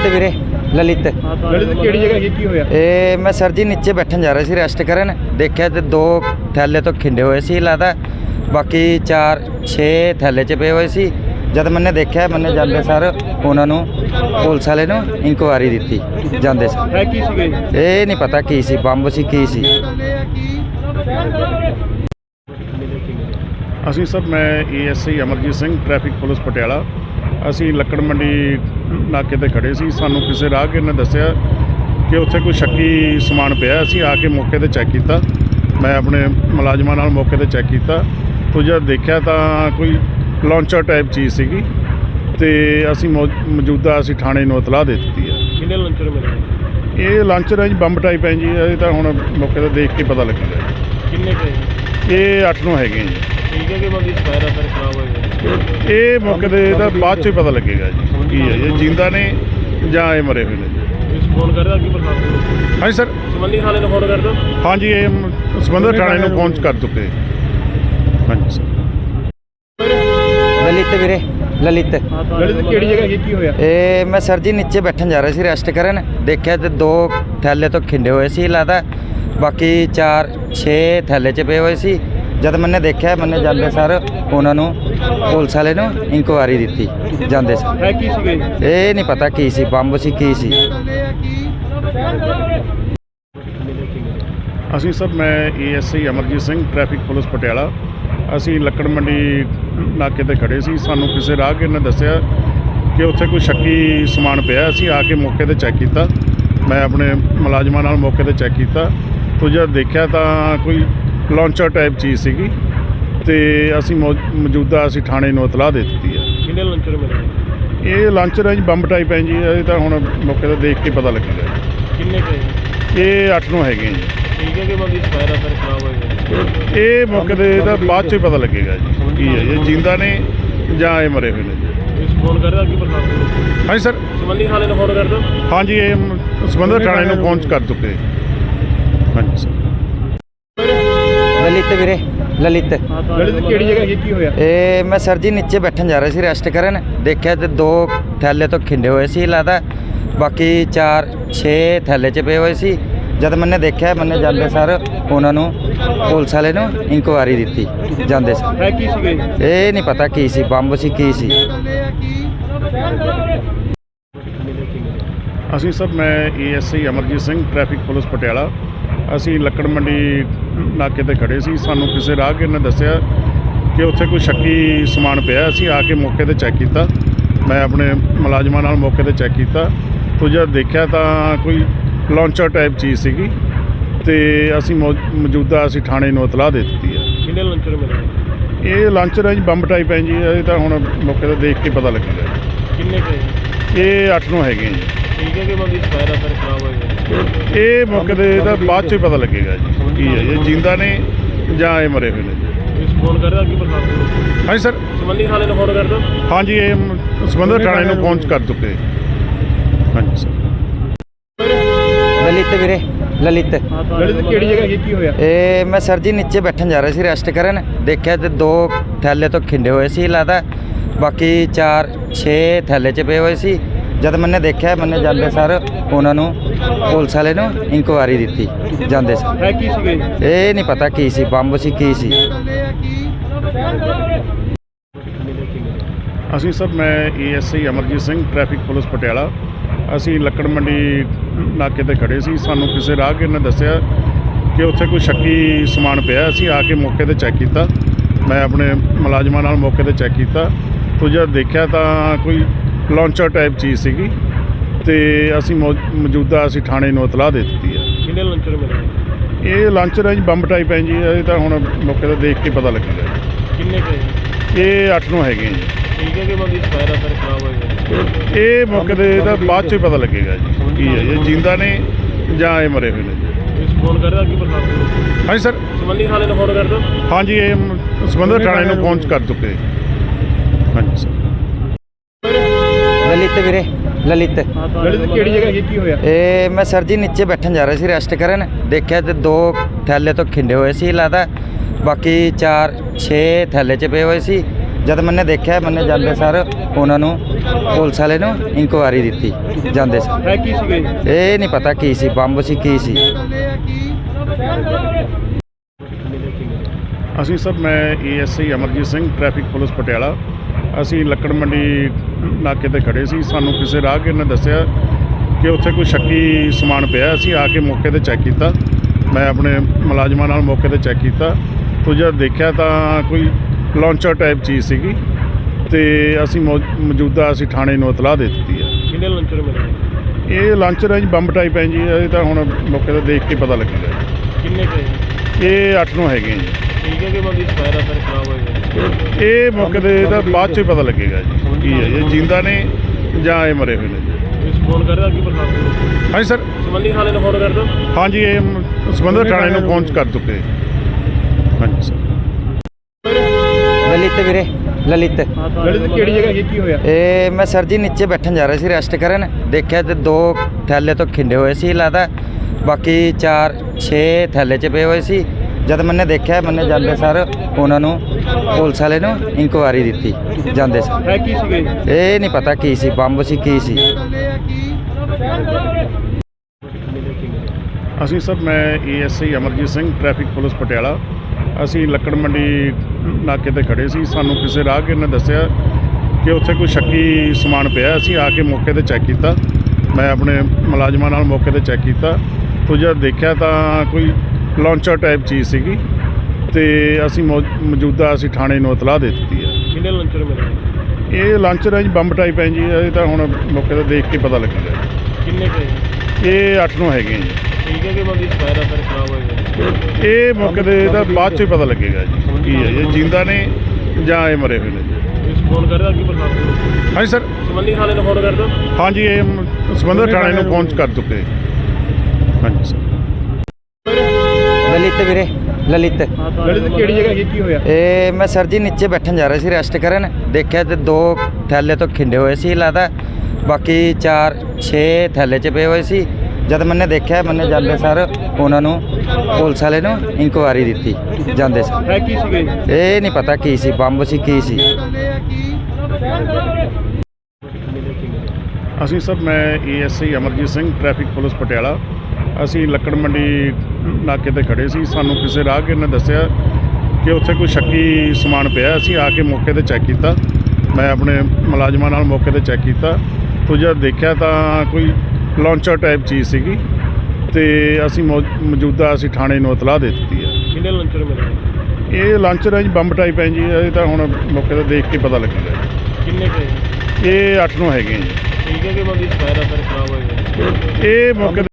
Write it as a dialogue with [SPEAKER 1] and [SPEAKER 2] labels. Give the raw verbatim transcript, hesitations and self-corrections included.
[SPEAKER 1] ਵੀਰੇ ਲਲਿਤ
[SPEAKER 2] ਲਲਿਤ ਕਿਹੜੀ ਜਗ੍ਹਾ ਇਹ ਕੀ ਹੋਇਆ?
[SPEAKER 1] ਇਹ ਮੈਂ ਸਰ ਜੀ ਨੀਚੇ ਬੈਠਣ ਜਾ ਰਿਹਾ ਸੀ ਰੈਸਟ ਕਰਨ, ਦੇਖਿਆ ਤੇ ਦੋ ਥੈਲੇ ਤੋਂ ਖਿੰਡੇ ਹੋਏ ਸੀ ਲੱਗਦਾ, ਬਾਕੀ ਚਾਰ ਛੇ ਥੈਲੇ 'ਚ ਪਏ ਹੋਏ ਸੀ। ਜਦ ਮੈਨੇ ਦੇਖਿਆ ਮੈਨੇ ਜਾਂਦੇ ਸਰ ਉਹਨਾਂ ਨੂੰ ਪੁਲਿਸ ਵਾਲੇ ਨੂੰ ਇਨਕੁਆਰੀ ਦਿੱਤੀ ਜਾਂਦੇ ਸਰ।
[SPEAKER 2] ਹੈ ਕੀ ਸੀਗੇ?
[SPEAKER 1] ਇਹ ਨਹੀਂ ਪਤਾ ਕੀ ਸੀ, ਬੰਬ ਸੀ ਕੀ ਸੀ।
[SPEAKER 3] ਅਸੀਂ ਸਰ ਮੈਂ A S I Amarjit Singh traffic police Patiala. ਅਸੀਂ ਲੱਕੜ ਮੰਡੀ ਨਾਕੇ ਤੇ ਖੜੇ ਸੀ, ਸਾਨੂੰ ਕਿਸੇ ਰਾਹਗੀਰ ਨੇ ਦੱਸਿਆ ਕਿ ਉੱਥੇ ਕੋਈ ਸ਼ੱਕੀ ਸਮਾਨ ਪਿਆ। ਅਸੀਂ ਆ ਕੇ ਮੌਕੇ ਤੇ ਚੈੱਕ ਕੀਤਾ, ਮੈਂ ਆਪਣੇ ਮੁਲਾਜ਼ਮਾਂ ਨਾਲ ਮੌਕੇ ਤੇ ਚੈੱਕ ਕੀਤਾ ਤਾਂ ਜਦ ਦੇਖਿਆ ਤਾਂ ਕੋਈ ਲਾਂਚਰ ਟਾਈਪ ਚੀਜ਼ ਸੀਗੀ ਤੇ ਅਸੀਂ ਮੌਜੂਦਾ ਅਸੀਂ ਥਾਣੇ ਨੂੰ ਇਤਲਾਹ ਦੇ ਦਿੱਤੀ ਹੈ।
[SPEAKER 2] ਕਿੰਨੇ ਲਾਂਚਰ ਮਿਲੇ?
[SPEAKER 3] ਇਹ ਲਾਂਚਰ ਹੈ ਜੀ, ਬੰਬ ਟਾਈਪ ਹੈ ਜੀ। ਇਹ ਤਾਂ ਹੁਣ ਮੌਕੇ ਤੇ ਦੇਖ ਕੇ ਪਤਾ ਲੱਗੇਗਾ।
[SPEAKER 2] ਕਿੰਨੇ ਕੁ?
[SPEAKER 3] ਇਹ ਅੱਠ ਨੂੰ ਹੈਗੇ ਜੀ।
[SPEAKER 2] ਠੀਕ ਹੈ ਕਿ ਬੰਦੀ ਫਾਇਰ ਅਸਰ ਖਰਾਬ ਹੋ ਗਿਆ?
[SPEAKER 3] ਇਹ ਮੌਕੇ ਤੇ ਇਹਦਾ ਬਾਅਦ 'ਚ ਹੀ ਪਤਾ ਲੱਗੇਗਾ ਜੀ ਕੀ ਹੈ, ਇਹ ਜਿੰਦਾ ਨੇ ਜਾਂ ਇਹ ਮਰੇ ਹੋਏ ਨੇ ਜੀ।
[SPEAKER 2] ਇਸ ਫੋਨ ਕਰਦਾ ਅੱਗੇ ਪ੍ਰਸ਼ਾਸਨ ਨੂੰ?
[SPEAKER 3] ਹਾਂਜੀ ਸਰ,
[SPEAKER 2] ਸੰਬੰਧੀ ਥਾਣੇ ਨੂੰ ਫੋਨ ਕਰ ਦਿਓ।
[SPEAKER 3] ਹਾਂਜੀ ਇਹ ਸੰਬੰਧਿਤ ਥਾਣੇ ਨੂੰ ਪਹੁੰਚ ਕਰ ਚੁੱਕੇ। ਹਾਂਜੀ ਸਰ।
[SPEAKER 1] ਲਲਿਤ ਵੀਰੇ ਲਲਿਤ
[SPEAKER 2] ਲਲਿਤ ਕਿਹੜੀ ਜਗ੍ਹਾ ਇਹ ਕੀ ਹੋਇਆ?
[SPEAKER 1] ਇਹ ਮੈਂ ਸਰ ਜੀ ਨੀਚੇ ਬੈਠਣ ਜਾ ਰਿਹਾ ਸੀ ਰੈਸਟ ਕਰਨ, ਦੇਖਿਆ ਤੇ ਦੋ ਥੈਲੇ ਤੋਂ ਖਿੰਡੇ ਹੋਏ ਸੀ ਲੱਗਦਾ, ਬਾਕੀ ਚਾਰ ਛੇ ਥੈਲੇ 'ਚ ਪਏ ਹੋਏ ਸੀ। ਜਦ ਮੈਨੇ ਦੇਖਿਆ ਮੈਨੇ ਜਾਂਦੇ ਸਰ ਉਹਨਾਂ ਨੂੰ ਪੁਲਿਸ ਵਾਲੇ ਨੂੰ ਇਨਕੁਆਰੀ ਦਿੱਤੀ ਜਾਂਦੇ ਸਰ।
[SPEAKER 2] ਹੈ ਕੀ ਸੀਗੇ?
[SPEAKER 1] ਇਹ ਨਹੀਂ ਪਤਾ ਕੀ ਸੀ, ਬੰਬ ਸੀ ਕੀ ਸੀ।
[SPEAKER 3] ਅਸੀਂ ਸਰ ਮੈਂ A S I Amarjit Singh traffic police Patiala. ਅਸੀਂ ਲੱਕੜ ਮੰਡੀ ਨਾਕੇ ਤੇ ਖੜੇ ਸੀ, ਸਾਨੂੰ ਕਿਸੇ ਰਾਹਗੀਰ ਨੇ ਦੱਸਿਆ ਕਿ ਉੱਥੇ ਕੋਈ ਸ਼ੱਕੀ ਸਮਾਨ ਪਿਆ। ਅਸੀਂ ਆ ਕੇ ਮੌਕੇ ਤੇ ਚੈੱਕ ਕੀਤਾ, ਮੈਂ ਆਪਣੇ ਮੁਲਾਜ਼ਮਾਂ ਨਾਲ ਮੌਕੇ ਤੇ ਚੈੱਕ ਕੀਤਾ ਤਾਂ ਜਦ ਦੇਖਿਆ ਤਾਂ ਕੋਈ ਲਾਂਚਰ ਟਾਈਪ ਚੀਜ਼ ਸੀਗੀ ਤੇ ਅਸੀਂ ਮੌਜੂਦਾ ਅਸੀਂ ਥਾਣੇ ਨੂੰ ਇਤਲਾਹ ਦੇ ਦਿੱਤੀ ਹੈ।
[SPEAKER 2] ਕਿੰਨੇ ਲਾਂਚਰ ਮਿਲੇ?
[SPEAKER 3] ਇਹ ਲਾਂਚਰ ਹੈ ਜੀ, ਬੰਬ ਟਾਈਪ ਹੈ ਜੀ। ਇਹ ਤਾਂ ਹੁਣ ਮੌਕੇ ਤੇ ਦੇਖ ਕੇ ਪਤਾ ਲੱਗੇਗਾ।
[SPEAKER 2] ਕਿੰਨੇ ਕੁ?
[SPEAKER 3] ਇਹ ਅੱਠ ਨੂੰ ਹੈਗੇ ਜੀ।
[SPEAKER 2] ਠੀਕ ਹੈ ਕਿ ਬੰਦੀ ਫਾਇਰ ਅਸਰ ਖਰਾਬ ਹੋ ਗਿਆ?
[SPEAKER 3] ਇਹ ਮੌਕੇ ਤੇ ਇਹਦਾ ਬਾਅਦ 'ਚ ਹੀ ਪਤਾ ਲੱਗੇਗਾ ਜੀ ਕੀ ਹੈ, ਇਹ ਜਿੰਦਾ ਨੇ ਜਾਂ ਇਹ ਮਰੇ ਹੋਏ ਨੇ ਜੀ।
[SPEAKER 2] ਇਸ ਫੋਨ ਕਰਦਾ ਅੱਗੇ ਪ੍ਰਸ਼ਾਸਨ ਨੂੰ?
[SPEAKER 3] ਹਾਂਜੀ ਸਰ,
[SPEAKER 2] ਸੰਬੰਧੀ ਥਾਣੇ ਨੂੰ ਫੋਨ ਕਰ ਦਿਓ।
[SPEAKER 3] ਹਾਂਜੀ ਇਹ ਸੰਬੰਧਿਤ ਥਾਣੇ ਨੂੰ ਪਹੁੰਚ ਕਰ ਚੁੱਕੇ। ਹਾਂਜੀ ਸਰ।
[SPEAKER 1] ਲਲਿਤ ਵੀਰੇ ਲਲਿਤ
[SPEAKER 2] ਲਲਿਤ ਕਿਹੜੀ ਜਗ੍ਹਾ ਇਹ ਕੀ ਹੋਇਆ?
[SPEAKER 1] ਇਹ ਮੈਂ ਸਰ ਜੀ ਨੀਚੇ ਬੈਠਣ ਜਾ ਰਿਹਾ ਸੀ ਰੈਸਟ ਕਰਨ, ਦੇਖਿਆ ਤੇ ਦੋ ਥੈਲੇ ਤੋਂ ਖਿੰਡੇ ਹੋਏ ਸੀ ਲੱਗਦਾ, ਬਾਕੀ ਚਾਰ ਛੇ ਥੈਲੇ 'ਚ ਪਏ ਹੋਏ ਸੀ। ਜਦ ਮੈਨੇ ਦੇਖਿਆ ਮੈਨੇ ਜਾਂਦੇ ਸਰ ਉਹਨਾਂ ਨੂੰ ਪੁਲਿਸ ਵਾਲੇ ਨੂੰ ਇਨਕੁਆਰੀ ਦਿੱਤੀ ਜਾਂਦੇ ਸਰ।
[SPEAKER 2] ਹੈ ਕੀ ਸੀਗੇ?
[SPEAKER 1] ਇਹ ਨਹੀਂ ਪਤਾ ਕੀ ਸੀ, ਬੰਬ ਸੀ ਕੀ ਸੀ।
[SPEAKER 3] ਅਸੀਂ ਸਰ ਮੈਂ A S I Amarjit Singh traffic police Patiala. ਅਸੀਂ ਲੱਕੜ ਮੰਡੀ ਨਾਕੇ ਤੇ ਖੜੇ ਸੀ, ਸਾਨੂੰ ਕਿਸੇ ਰਾਹਗੀਰ ਨੇ ਦੱਸਿਆ ਕਿ ਉੱਥੇ ਕੋਈ ਸ਼ੱਕੀ ਸਮਾਨ ਪਿਆ। ਅਸੀਂ ਆ ਕੇ ਮੌਕੇ ਤੇ ਚੈੱਕ ਕੀਤਾ, ਮੈਂ ਆਪਣੇ ਮੁਲਾਜ਼ਮਾਂ ਨਾਲ ਮੌਕੇ ਤੇ ਚੈੱਕ ਕੀਤਾ ਤਾਂ ਜਦ ਦੇਖਿਆ ਤਾਂ ਕੋਈ ਲਾਂਚਰ ਟਾਈਪ ਚੀਜ਼ ਸੀਗੀ ਤੇ ਅਸੀਂ ਮੌਜੂਦਾ ਅਸੀਂ ਥਾਣੇ ਨੂੰ ਇਤਲਾਹ ਦੇ ਦਿੱਤੀ ਹੈ।
[SPEAKER 2] ਕਿੰਨੇ ਲਾਂਚਰ ਮਿਲੇ?
[SPEAKER 3] ਇਹ ਲਾਂਚਰ ਹੈ ਜੀ, ਬੰਬ ਟਾਈਪ ਹੈ ਜੀ। ਇਹ ਤਾਂ ਹੁਣ ਮੌਕੇ ਤੇ ਦੇਖ ਕੇ ਪਤਾ ਲੱਗੇਗਾ।
[SPEAKER 2] ਕਿੰਨੇ ਕੁ?
[SPEAKER 3] ਇਹ ਅੱਠ ਨੂੰ ਹੈਗੇ ਜੀ।
[SPEAKER 2] ਠੀਕ ਹੈ ਕਿ ਬੰਦੀ ਫਾਇਰ ਅਸਰ ਖਰਾਬ ਹੋ ਗਿਆ?
[SPEAKER 3] ਇਹ ਮੌਕੇ ਤੇ ਇਹਦਾ ਬਾਅਦ 'ਚ ਹੀ ਪਤਾ ਲੱਗੇਗਾ ਜੀ ਕੀ ਹੈ, ਇਹ ਜਿੰਦਾ ਨੇ ਜਾਂ ਇਹ ਮਰੇ ਹੋਏ ਨੇ ਜੀ।
[SPEAKER 2] ਇਸ ਫੋਨ ਕਰਦਾ ਅੱਗੇ ਪ੍ਰਸ਼ਾਸਨ ਨੂੰ?
[SPEAKER 3] ਹਾਂਜੀ ਸਰ,
[SPEAKER 2] ਸੰਬੰਧੀ ਥਾਣੇ ਨੂੰ ਫੋਨ ਕਰ ਦਿਓ।
[SPEAKER 3] ਹਾਂਜੀ ਇਹ ਸੰਬੰਧਿਤ ਥਾਣੇ ਨੂੰ ਪਹੁੰਚ ਕਰ ਚੁੱਕੇ। ਹਾਂਜੀ ਸਰ।
[SPEAKER 1] ਲਲਿਤ ਵੀਰੇ ਲਲਿਤ
[SPEAKER 2] ਲਲਿਤ ਕਿਹੜੀ ਜਗ੍ਹਾ ਇਹ ਕੀ ਹੋਇਆ?
[SPEAKER 1] ਇਹ ਮੈਂ ਸਰ ਜੀ ਨੀਚੇ ਬੈਠਣ ਜਾ ਰਿਹਾ ਸੀ ਰੈਸਟ ਕਰਨ, ਦੇਖਿਆ ਤੇ ਦੋ ਥੈਲੇ ਤੋਂ ਖਿੰਡੇ ਹੋਏ ਸੀ ਲੱਗਦਾ, ਬਾਕੀ ਚਾਰ ਛੇ ਥੈਲੇ 'ਚ ਪਏ ਹੋਏ ਸੀ। ਜਦ ਮੈਨੇ ਦੇਖਿਆ ਮੈਨੇ ਜਾਂਦੇ ਸਰ ਉਹਨਾਂ ਨੂੰ ਪੁਲਿਸ ਵਾਲੇ ਨੂੰ ਇਨਕੁਆਰੀ ਦਿੱਤੀ ਜਾਂਦੇ ਸਰ।
[SPEAKER 2] ਹੈ ਕੀ ਸੀਗੇ?
[SPEAKER 1] ਇਹ ਨਹੀਂ ਪਤਾ ਕੀ ਸੀ, ਬੰਬ ਸੀ ਕੀ ਸੀ।
[SPEAKER 3] ਅਸੀਂ ਸਰ ਮੈਂ A S I Amarjit Singh traffic police Patiala. ਅਸੀਂ ਲੱਕੜ ਮੰਡੀ ਨਾਕੇ ਤੇ ਖੜੇ ਸੀ, ਸਾਨੂੰ ਕਿਸੇ ਰਾਹਗੀਰ ਨੇ ਦੱਸਿਆ ਕਿ ਉੱਥੇ ਕੋਈ ਸ਼ੱਕੀ ਸਮਾਨ ਪਿਆ। ਅਸੀਂ ਆ ਕੇ ਮੌਕੇ ਤੇ ਚੈੱਕ ਕੀਤਾ, ਮੈਂ ਆਪਣੇ ਮੁਲਾਜ਼ਮਾਂ ਨਾਲ ਮੌਕੇ ਤੇ ਚੈੱਕ ਕੀਤਾ ਤਾਂ ਜਦ ਦੇਖਿਆ ਤਾਂ ਕੋਈ ਲਾਂਚਰ ਟਾਈਪ ਚੀਜ਼ ਸੀਗੀ ਤੇ ਅਸੀਂ ਮੌਜੂਦਾ ਅਸੀਂ ਥਾਣੇ ਨੂੰ ਇਤਲਾਹ ਦੇ ਦਿੱਤੀ ਹੈ।
[SPEAKER 2] ਕਿੰਨੇ ਲਾਂਚਰ ਮਿਲੇ?
[SPEAKER 3] ਇਹ ਲਾਂਚਰ ਹੈ ਜੀ, ਬੰਬ ਟਾਈਪ ਹੈ ਜੀ। ਇਹ ਤਾਂ ਹੁਣ ਮੌਕੇ ਤੇ ਦੇਖ ਕੇ ਪਤਾ ਲੱਗੇਗਾ।
[SPEAKER 2] ਕਿੰਨੇ ਕੁ?
[SPEAKER 3] ਇਹ ਅੱਠ ਨੂੰ ਹੈਗੇ ਜੀ।
[SPEAKER 2] ਠੀਕ ਹੈ ਕਿ ਬੰਦੀ ਫਾਇਰ ਅਸਰ ਖਰਾਬ ਹੋ ਗਿਆ?
[SPEAKER 3] ਇਹ ਮੌਕੇ ਤੇ ਇਹਦਾ ਬਾਅਦ 'ਚ ਹੀ ਪਤਾ ਲੱਗੇਗਾ ਜੀ ਕੀ ਹੈ, ਇਹ ਜਿੰਦਾ ਨੇ ਜਾਂ ਇਹ ਮਰੇ ਹੋਏ ਨੇ ਜੀ।
[SPEAKER 2] ਇਸ ਫੋਨ ਕਰਦਾ ਅੱਗੇ ਪ੍ਰਸ਼ਾਸਨ ਨੂੰ?
[SPEAKER 3] ਹਾਂਜੀ ਸਰ,
[SPEAKER 2] ਸੰਬੰਧੀ ਥਾਣੇ ਨੂੰ ਫੋਨ ਕਰ ਦਿਓ।
[SPEAKER 3] ਹਾਂਜੀ ਇਹ ਸੰਬੰਧਿਤ ਥਾਣੇ ਨੂੰ ਪਹੁੰਚ ਕਰ ਚੁੱਕੇ। ਹਾਂਜੀ ਸਰ।
[SPEAKER 1] ਲਲਿਤ ਵੀਰੇ ਲਲਿਤ
[SPEAKER 2] ਲਲਿਤ ਕਿਹੜੀ ਜਗ੍ਹਾ ਇਹ ਕੀ ਹੋਇਆ?
[SPEAKER 1] ਇਹ ਮੈਂ ਸਰ ਜੀ ਨੀਚੇ ਬੈਠਣ ਜਾ ਰਿਹਾ ਸੀ ਰੈਸਟ ਕਰਨ, ਦੇਖਿਆ ਤੇ ਦੋ ਥੈਲੇ ਤੋਂ ਖਿੰਡੇ ਹੋਏ ਸੀ ਲੱਗਦਾ, ਬਾਕੀ ਚਾਰ ਛੇ ਥੈਲੇ 'ਚ ਪਏ ਹੋਏ ਸੀ। ਜਦ ਮੈਨੇ ਦੇਖਿਆ ਮੈਨੇ ਜਾਂਦੇ ਸਰ ਉਹਨਾਂ ਨੂੰ ਪੁਲਿਸ ਵਾਲੇ ਨੂੰ ਇਨਕੁਆਰੀ ਦਿੱਤੀ ਜਾਂਦੇ ਸਰ।
[SPEAKER 2] ਹੈ ਕੀ ਸੀਗੇ?
[SPEAKER 1] ਇਹ ਨਹੀਂ ਪਤਾ ਕੀ ਸੀ, ਬੰਬ ਸੀ ਕੀ ਸੀ।
[SPEAKER 3] ਅਸੀਂ ਸਰ ਮੈਂ ASI Amarjit Singh traffic police Patiala ਅਸੀਂ ਲੱਕੜ ਮੰਡੀ ਨਾਕੇ ਤੇ ਖੜੇ ਸੀ। ਸਾਨੂੰ ਕਿਸੇ ਰਾਹਗੀਰ ਨੇ ਦੱਸਿਆ ਕਿ ਉੱਥੇ ਕੋਈ ਸ਼ੱਕੀ ਸਮਾਨ ਪਿਆ। ਅਸੀਂ ਆ ਕੇ ਮੌਕੇ ਤੇ ਚੈੱਕ ਕੀਤਾ। ਮੈਂ ਆਪਣੇ ਮੁਲਾਜ਼ਮਾਂ ਨਾਲ ਮੌਕੇ ਤੇ ਚੈੱਕ ਕੀਤਾ ਤਾਂ ਜਦ ਦੇਖਿਆ ਤਾਂ ਕੋਈ ਲਾਂਚਰ ਟਾਈਪ ਚੀਜ਼ ਸੀਗੀ ਤੇ ਅਸੀਂ ਮੌ- ਮੌਜੂਦਾ ਅਸੀਂ ਥਾਣੇ ਨੂੰ ਇਤਲਾਹ ਦੇ ਦਿੱਤੀ ਹੈ।
[SPEAKER 2] ਕਿੰਨੇ ਲੰਚਰ ਮਿਲੇ?
[SPEAKER 3] ਇਹ ਲਾਂਚਰ ਹੈ ਜੀ, ਬੰਬ ਟਾਈਪ ਹੈ ਜੀ। ਇਹ ਤਾਂ ਹੁਣ ਮੌਕੇ ਤੇ ਦੇਖ ਕੇ ਪਤਾ ਲੱਗੇਗਾ।
[SPEAKER 2] ਕਿੰਨੇ ਕੁ?
[SPEAKER 3] ਇਹ ਅੱਠ ਨੂੰ ਹੈਗੇ ਜੀ।
[SPEAKER 2] ਠੀਕ ਹੈ ਕਿ ਬੰਦੀ ਸਪਾਇਰ ਆ ਸਰ ਖਰਾਬ ਹੋਏ?
[SPEAKER 3] ਇਹ ਮੌਕੇ ਤੇ ਇਹਦਾ ਬਾਅਦ 'ਚ ਹੀ ਪਤਾ ਲੱਗੇਗਾ ਜੀ ਕੀ ਹੈ, ਇਹ ਜਿੰਦਾ ਨੇ ਜਾਂ ਇਹ ਮਰੇ ਹੋਏ ਨੇ ਜੀ।
[SPEAKER 2] ਇਸ ਫੋਨ ਕਰਦਾ ਕੀ ਪ੍ਰਸ਼ਾਸਨ ਨੂੰ?
[SPEAKER 3] ਹਾਂਜੀ ਸਰ,
[SPEAKER 2] ਸੰਬੰਧੀ ਥਾਣੇ ਨੂੰ ਫੋਨ ਕਰ ਦਿਓ।
[SPEAKER 3] ਹਾਂਜੀ ਇਹ ਮ- ਸੰਬੰਧਿਤ ਥਾਣੇ ਨੂੰ ਪਹੁੰਚ ਕਰ ਚੁੱਕੇ। ਹਾਂਜੀ ਸਰ।
[SPEAKER 1] ਲਲਿਤ ਵੀਰੇ, ਲਲਿਤ।
[SPEAKER 2] ਲਲਿਤ ਕਿਹੜੀ ਜਗ੍ਹਾ ਹੈਗੀ, ਕੀ ਹੋਇਆ?
[SPEAKER 1] ਇਹ ਮੈਂ ਸਰ ਜੀ ਨੀਚੇ ਬੈਠਣ ਜਾ ਰਿਹਾ ਸੀ ਰੈਸਟ ਕਰਨ। ਦੇਖਿਆ ਤੇ ਦੋ ਥੈਲੇ ਤੋਂ ਖਿੰਡੇ ਹੋਏ ਸੀ ਲੱਗਦਾ, ਬਾਕੀ ਚਾਰ ਛੇ ਥੈਲੇ 'ਚ ਪਏ ਹੋਏ ਸੀ। ਜਦ ਮੈਨੇ ਦੇਖਿਆ ਮੈਨੇ ਜਾਂਦੇ ਸਰ ਉਹਨਾਂ ਨੂੰ ਪੁਲਿਸ ਵਾਲੇ ਨੂੰ ਇਨਕੁਆਰੀ ਦਿੱਤੀ ਜਾਂਦੇ ਸਰ।
[SPEAKER 2] ਹੈ ਕੀ ਸੀਗੇ?
[SPEAKER 1] ਇਹ ਨਹੀਂ ਪਤਾ ਕੀ ਸੀ, ਬੰਬ ਸੀ ਕੀ ਸੀ।
[SPEAKER 3] ਅਸੀਂ ਸਰ ਮੈਂ ASI Amarjit Singh traffic police Patiala ਅਸੀਂ ਲੱਕੜ ਮੰਡੀ ਨਾਕੇ ਤੇ ਖੜੇ ਸੀ। ਸਾਨੂੰ ਕਿਸੇ ਰਾਹਗੀਰ ਨੇ ਦੱਸਿਆ ਕਿ ਉੱਥੇ ਕੋਈ ਸ਼ੱਕੀ ਸਮਾਨ ਪਿਆ। ਅਸੀਂ ਆ ਕੇ ਮੌਕੇ ਤੇ ਚੈੱਕ ਕੀਤਾ। ਮੈਂ ਆਪਣੇ ਮੁਲਾਜ਼ਮਾਂ ਨਾਲ ਮੌਕੇ ਤੇ ਚੈੱਕ ਕੀਤਾ ਤਾਂ ਜਦ ਦੇਖਿਆ ਤਾਂ ਕੋਈ ਲਾਂਚਰ ਟਾਈਪ ਚੀਜ਼ ਸੀਗੀ ਤੇ ਅਸੀਂ ਮੌ- ਮੌਜੂਦਾ ਅਸੀਂ ਥਾਣੇ ਨੂੰ ਇਤਲਾਹ ਦੇ ਦਿੱਤੀ ਹੈ।
[SPEAKER 2] ਕਿੰਨੇ ਲੰਚਰ ਮਿਲੇ?
[SPEAKER 3] ਇਹ ਲਾਂਚਰ ਹੈ ਜੀ, ਬੰਬ ਟਾਈਪ ਹੈ ਜੀ। ਇਹ ਤਾਂ ਹੁਣ ਮੌਕੇ ਤੇ ਦੇਖ ਕੇ ਪਤਾ ਲੱਗੇਗਾ।
[SPEAKER 2] ਕਿੰਨੇ ਕੁ?
[SPEAKER 3] ਇਹ ਅੱਠ ਨੂੰ ਹੈਗੇ ਜੀ।
[SPEAKER 2] ਠੀਕ ਹੈ ਕਿ ਬੰਦੀ ਸਪਾਇਰ ਆ ਸਰ ਖਰਾਬ ਹੋਏ?
[SPEAKER 3] ਇਹ ਮੌਕੇ ਤੇ ਇਹਦਾ ਬਾਅਦ 'ਚ ਹੀ ਪਤਾ ਲੱਗੇਗਾ ਜੀ ਕੀ ਹੈ, ਇਹ ਜਿੰਦਾ ਨੇ ਜਾਂ ਇਹ ਮਰੇ ਹੋਏ ਨੇ ਜੀ।
[SPEAKER 2] ਇਸ ਫੋਨ ਕਰਦਾ ਕੀ ਪ੍ਰਸ਼ਾਸਨ ਨੂੰ?
[SPEAKER 3] ਹਾਂਜੀ ਸਰ,
[SPEAKER 2] ਸੰਬੰਧੀ ਥਾਣੇ ਨੂੰ ਫੋਨ ਕਰ ਦਿਓ।
[SPEAKER 3] ਹਾਂਜੀ ਇਹ ਮ- ਸੰਬੰਧਿਤ ਥਾਣੇ ਨੂੰ ਪਹੁੰਚ ਕਰ ਚੁੱਕੇ। ਹਾਂਜੀ ਸਰ।
[SPEAKER 1] ਲਲਿਤ ਵੀਰੇ, ਲਲਿਤ।
[SPEAKER 2] ਲਲਿਤ ਕਿਹੜੀ ਜਗ੍ਹਾ ਹੈਗੀ, ਕੀ ਹੋਇਆ?
[SPEAKER 1] ਇਹ ਮੈਂ ਸਰ ਜੀ ਨੀਚੇ ਬੈਠਣ ਜਾ ਰਿਹਾ ਸੀ ਰੈਸਟ ਕਰਨ। ਦੇਖਿਆ ਤੇ ਦੋ ਥੈਲੇ ਤੋਂ ਖਿੰਡੇ ਹੋਏ ਸੀ ਲੱਗਦਾ, ਬਾਕੀ ਚਾਰ ਛੇ ਥੈਲੇ 'ਚ ਪਏ ਹੋਏ ਸੀ। ਜਦ ਮੈਨੇ ਦੇਖਿਆ ਮੈਨੇ ਜਾਂਦੇ ਸਰ ਉਹਨਾਂ ਨੂੰ ਪੁਲਿਸ ਵਾਲੇ ਨੂੰ ਇਨਕੁਆਰੀ ਦਿੱਤੀ ਜਾਂਦੇ ਸਰ।
[SPEAKER 2] ਹੈ ਕੀ ਸੀਗੇ?
[SPEAKER 1] ਇਹ ਨਹੀਂ ਪਤਾ ਕੀ ਸੀ, ਬੰਬ ਸੀ ਕੀ ਸੀ।
[SPEAKER 3] ਅਸੀਂ ਸਰ ਮੈਂ ASI Amarjit Singh traffic police Patiala ਅਸੀਂ ਲੱਕੜ ਮੰਡੀ ਨਾਕੇ ਤੇ ਖੜੇ ਸੀ। ਸਾਨੂੰ ਕਿਸੇ ਰਾਹਗੀਰ ਨੇ ਦੱਸਿਆ ਕਿ ਉੱਥੇ ਕੋਈ ਸ਼ੱਕੀ ਸਮਾਨ ਪਿਆ। ਅਸੀਂ ਆ ਕੇ ਮੌਕੇ ਤੇ ਚੈੱਕ ਕੀਤਾ। ਮੈਂ ਆਪਣੇ ਮੁਲਾਜ਼ਮਾਂ ਨਾਲ ਮੌਕੇ ਤੇ ਚੈੱਕ ਕੀਤਾ ਤਾਂ ਜਦ ਦੇਖਿਆ ਤਾਂ ਕੋਈ ਲਾਂਚਰ ਟਾਈਪ ਚੀਜ਼ ਸੀਗੀ ਤੇ ਅਸੀਂ ਮੌ- ਮੌਜੂਦਾ ਅਸੀਂ ਥਾਣੇ ਨੂੰ ਇਤਲਾਹ ਦੇ ਦਿੱਤੀ ਹੈ।
[SPEAKER 2] ਕਿੰਨੇ ਲੰਚਰ ਮਿਲੇ?
[SPEAKER 3] ਇਹ ਲਾਂਚਰ ਹੈ ਜੀ, ਬੰਬ ਟਾਈਪ ਹੈ ਜੀ। ਇਹ ਤਾਂ ਹੁਣ ਮੌਕੇ ਤੇ ਦੇਖ ਕੇ ਪਤਾ ਲੱਗੇਗਾ।
[SPEAKER 2] ਕਿੰਨੇ ਕੁ?
[SPEAKER 3] ਇਹ ਅੱਠ ਨੂੰ ਹੈਗੇ ਜੀ।
[SPEAKER 2] ਠੀਕ ਹੈ ਕਿ ਬੰਦੀ ਸਪਾਇਰ ਆ ਸਰ ਖਰਾਬ ਹੋਏ?
[SPEAKER 3] ਇਹ ਮੌਕੇ ਤੇ